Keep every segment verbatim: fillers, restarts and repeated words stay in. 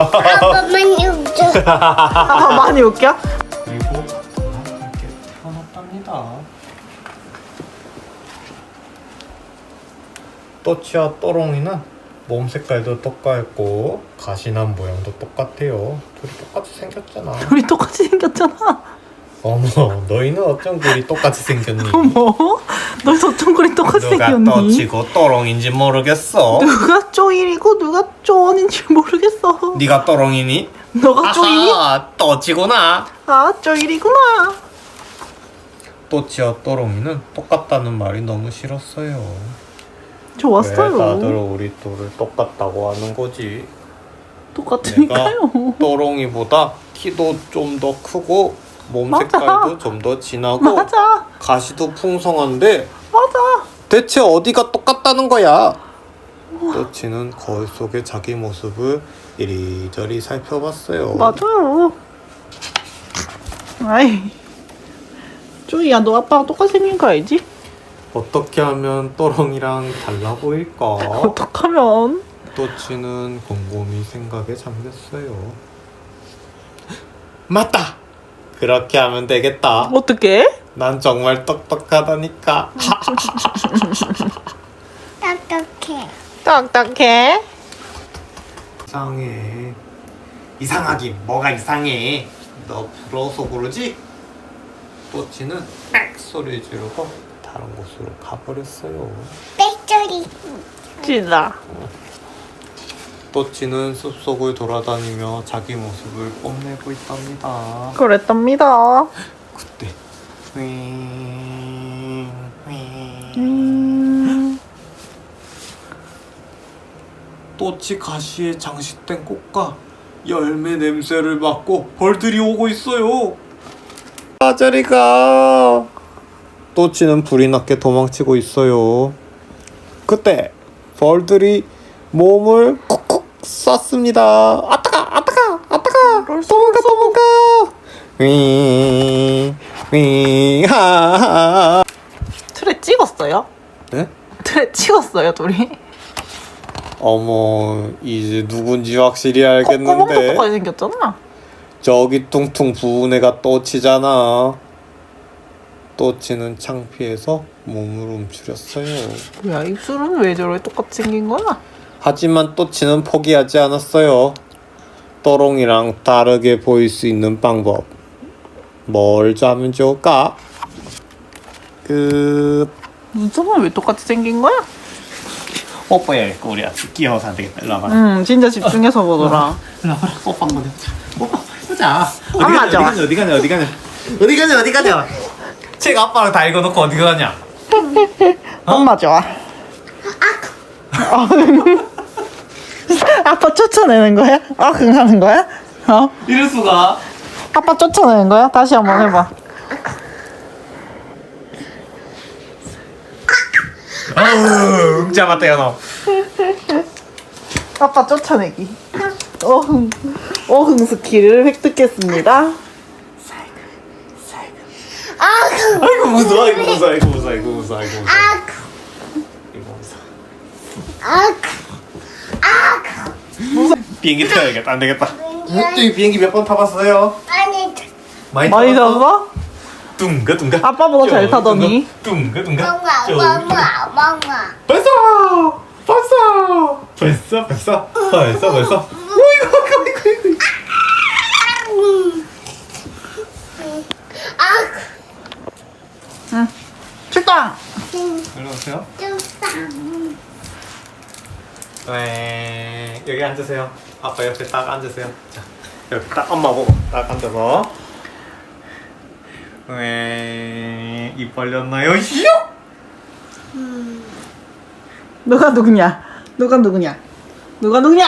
아빠 많이 웃겨. 아빠 많이 웃겨? 그리고 이렇게 태어났답니다. 또치와 또롱이는 몸 색깔도 똑같고 가시난 모양도 똑같아요. 둘이 똑같이 생겼잖아. 우리 똑같이 생겼잖아. 어머, 너희는 어쩜 그리 똑같이 생겼니? 어머, 너 저쪽구리 똑같이 누가 생겼니? 또치고 또롱인지 모르겠어. 누가 쪼일이고 누가 쪼원인지 모르겠어. 네가 또롱이니? 너가 쪼일이? 아하, 또치구나. 아, 쪼일이구나. 또치와 또롱이는 똑같다는 말이 너무 싫었어요. 왜 좋았어요. 다들 우리 둘을 똑같다고 하는 거지? 똑같으니까요. 또롱이보다 키도 좀 더 크고 몸 맞아. 색깔도 좀 더 진하고 맞아, 가시도 풍성한데 맞아. 대체 어디가 똑같다는 거야? 또치는 거울 속의 자기 모습을 이리저리 살펴봤어요. 맞아요. 아이, 쪼이야, 너 아빠랑 똑같이 생긴 거 알지? 어떻게 하면 또롱이랑 달라 보일까? 어떡하면? 또치는 곰곰이 생각에 잠겼어요. 맞다! 그렇게 하면 되겠다. 어떻게? 난 정말 똑똑하다니까. 딱딱해. 딱딱해. 이상해. 이상하긴 뭐가 이상해. 너 부러워서 그러지? 또치는 빽 소리 지르고 다른 곳으로 가버렸어요. 빽소리. 진짜. 또치는 숲속을 돌아다니며 자기 모습을 뽐내고 있답니다. 그랬답니다. 그때 윙, 윙. 음... 또치 가시에 장식된 꽃과 열매 냄새를 맡고 벌들이 오고 있어요. 아, 저리 가. 또치는 불이 났게 도망치고 있어요. 그때 벌들이 몸을 쿡쿡 쐈습니다. 아따가 아따가 아따가 도망가 도망가. 윙, 윙, 하하. 틀에 찍었어요? 네? 틀에 찍었어요, 둘이? 어머, 이제 누군지 확실히 콧구멍도 알겠는데. 똑같이 생겼잖아. 저기 퉁퉁 부은 애가 또치잖아. 또치는 창피해서 몸을 움츠렸어요. 뭐야, 입술은 왜 저렇게 똑같이 생긴 거야? 하지만 또치는 포기하지 않았어요. 또롱이랑 다르게 보일 수 있는 방법. 뭘 하면 좋을까? 끝. 눈썹은 왜 똑같이 생긴 거야? 뽀뽀야, 우리 아직 귀여워서 안 되겠다. 일로 와봐. 응, 진짜 집중해서 보더라. 일로 와봐. 뽀뽀 한번 해보자. 뽀뽀 해보자. 어디 안 가냐, 맞아. 어디 가냐, 어디 가냐, 어디 가냐, 어디 가냐, 어디 가냐. 책 아빠랑 다 읽어놓고 어디 가냐? 엄마 좋아. 아, 아빠 쫓아내는 거야? 아, 그거 하는 거야? 어? 이럴 수가. 아빠 쫓아내는 거야? 다시 한번 해봐. 아우, 응자 맞다요 너. 아빠 쫓아내기. 어흥, 어흥 스킬을 획득했습니다. 아구. 아이고 무서워, 아이고 무서워, 아이고 무서워, 아이고 무서워, 아이고 무서워. 아구. 이거 무서워. 아구. 비행기 타야겠다. 안 되겠다. 저기 비행기 몇 번 타봤어요? 아니. 많이 많이 타봤어? 잡아? 둥가 둥가. 아빠보다 잘 타더니. 둥가 둥가. 멍아 멍아 멍아. 벌써 벌써 벌써 벌써 벌써 벌써. 어이구 어이구 어이구. 아구. 응. 출동! 일로 오세요. 좀 네, 여기 앉으세요. 아빠 옆에 딱 앉으세요. 자, 여기 딱 엄마 보고 딱 앉아서. 네, 입 벌렸나요? 히요? 누가 누구냐? 누가 누구냐? 누가 누구냐?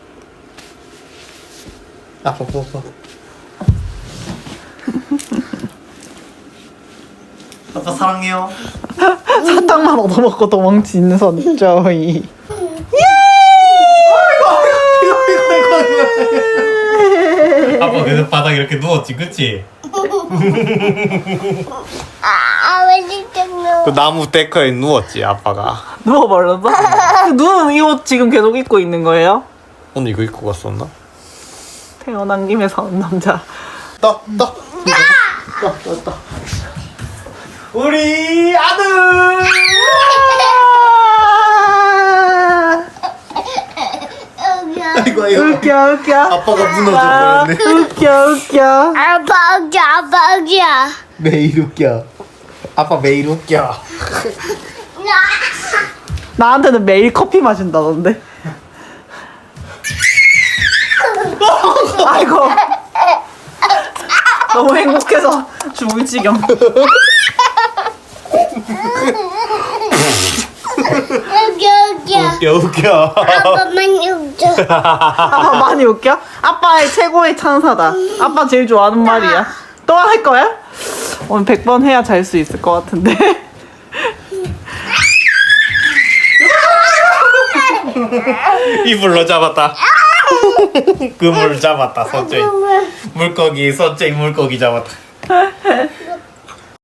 아빠 뽀뽀. 아빠 사랑해요. 사탕만 얻어먹고 도망치는 선 쪼이. 아빠 그래서 바닥에 이렇게 누웠지, 그치? 아, 왜 진짜 너? 그 나무 데크에 누웠지, 아빠가. 누워버렸어? 누운 이 옷 지금 계속 입고 있는 거예요? 오늘 이거 입고 갔었나? 태어난 김에 사는 남자. 떠, 떠. 떠, 떠, 떠. 우리 아들! 아이고, 아이고. 웃겨 웃겨. 아빠가 아, 무너져 버렸네. 웃겨 웃겨. 아빠 웃겨 아빠 웃겨. 매일 웃겨. 아빠 매일 웃겨. 나한테는 매일 커피 마신다던데. 아이고. 너무 행복해서 죽을 지경. 웃겨 웃겨. 웃겨, 웃겨. 아빠만 웃겨. 아빠 많이 웃겨? 아빠의 최고의 찬사다. 아빠 제일 좋아하는 말이야. 또 할 거야? 오늘 백 번 해야 잘 수 있을 것 같은데. 이불로 잡았다. 그물 잡았다, 서쪽이. 물고기, 서쪽이 물고기 잡았다.